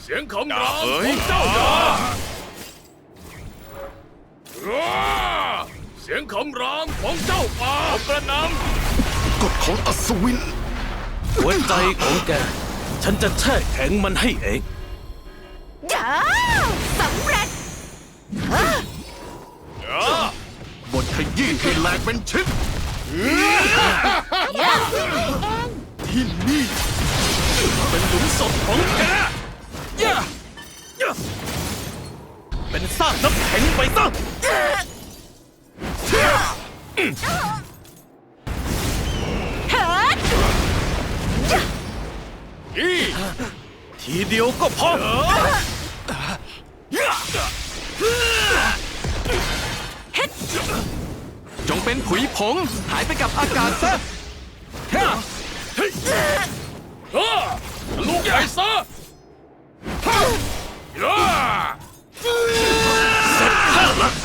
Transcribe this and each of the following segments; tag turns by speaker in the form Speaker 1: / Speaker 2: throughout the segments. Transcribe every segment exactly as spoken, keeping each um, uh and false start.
Speaker 1: เสียงคำรามของเจ้าอย่าเสียงคำรามของเจ้าป่ากระนำ
Speaker 2: กฎของอัศวิน
Speaker 3: หัวใจของแกฉันจะแช่แข็งมันให้เอง
Speaker 4: จ้าสำเร็จ
Speaker 2: บทขยี้ให้แหลกเป็นชิ้นที่นี่
Speaker 3: เป็นหลุมศพของแกเป็นซากน้ำแข็งไปซะทีเดียวก็พอ
Speaker 5: จงเป็นผุยผงหายไปกับอากาศซะ
Speaker 1: ลูกใหญ่ซะ
Speaker 3: เสร็จข้าละ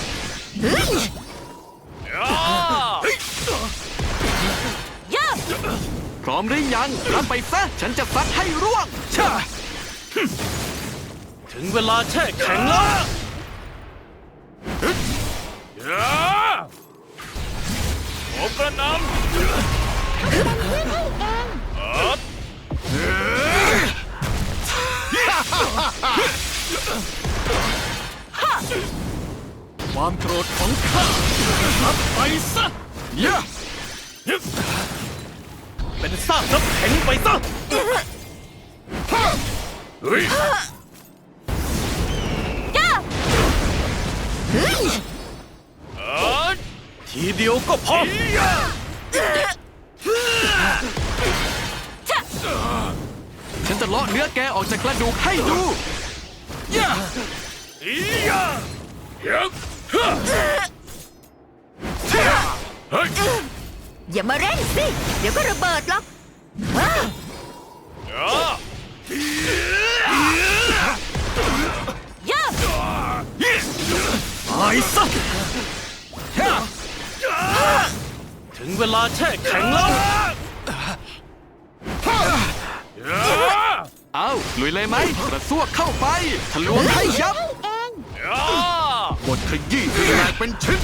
Speaker 5: พร้อมหรือยังรับไปซะฉันจะซัดให้ร่วง
Speaker 3: ถึงเวลาแช่แข็งแล้ว
Speaker 1: ผมกระนำ
Speaker 3: ความโกรธของข้ารับไปซะเป็นซากน้ำแข็งไปซะ
Speaker 1: เฮ้ย
Speaker 3: ทีเดียวก็พอ
Speaker 5: ฉันจะเลาะเนื้อแกออกจากกระดูกให้ดู
Speaker 1: ย่าอีย่าเฮ้ย
Speaker 4: อย่ามาเร่งสิเดี๋ยวก็ระเบิดหรอกย่า
Speaker 3: ตายซะถึงเวลาแช่แข็งแล้ว
Speaker 5: เอาลุยเลยไหมกระซวกเข้าไปทะลวงให้ยับบ
Speaker 2: ทขยี้ให้แหลกเป็นชิ้น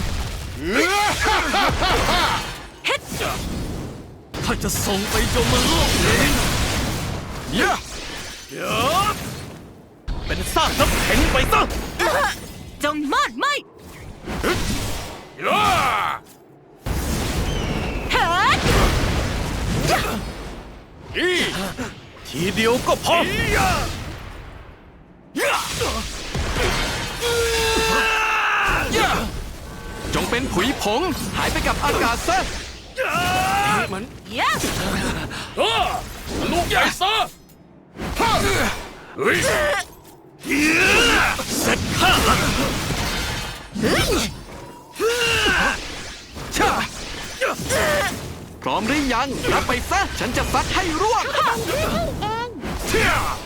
Speaker 3: ถ้าจะส่งไปยมโลกเองเป็นซากน้ำแข็งไปซะ
Speaker 4: จงมอดไหม
Speaker 3: ทีเดียวก็พอ
Speaker 5: จงเป็นผุยผงหายไปกับอากาศซะ
Speaker 3: มัน
Speaker 1: ลูกใหญ่ซะเฮ้ย
Speaker 3: เสร็จข้าละ
Speaker 5: พร้อมหรือยังรับไปซะฉันจะซัดให้ร่วง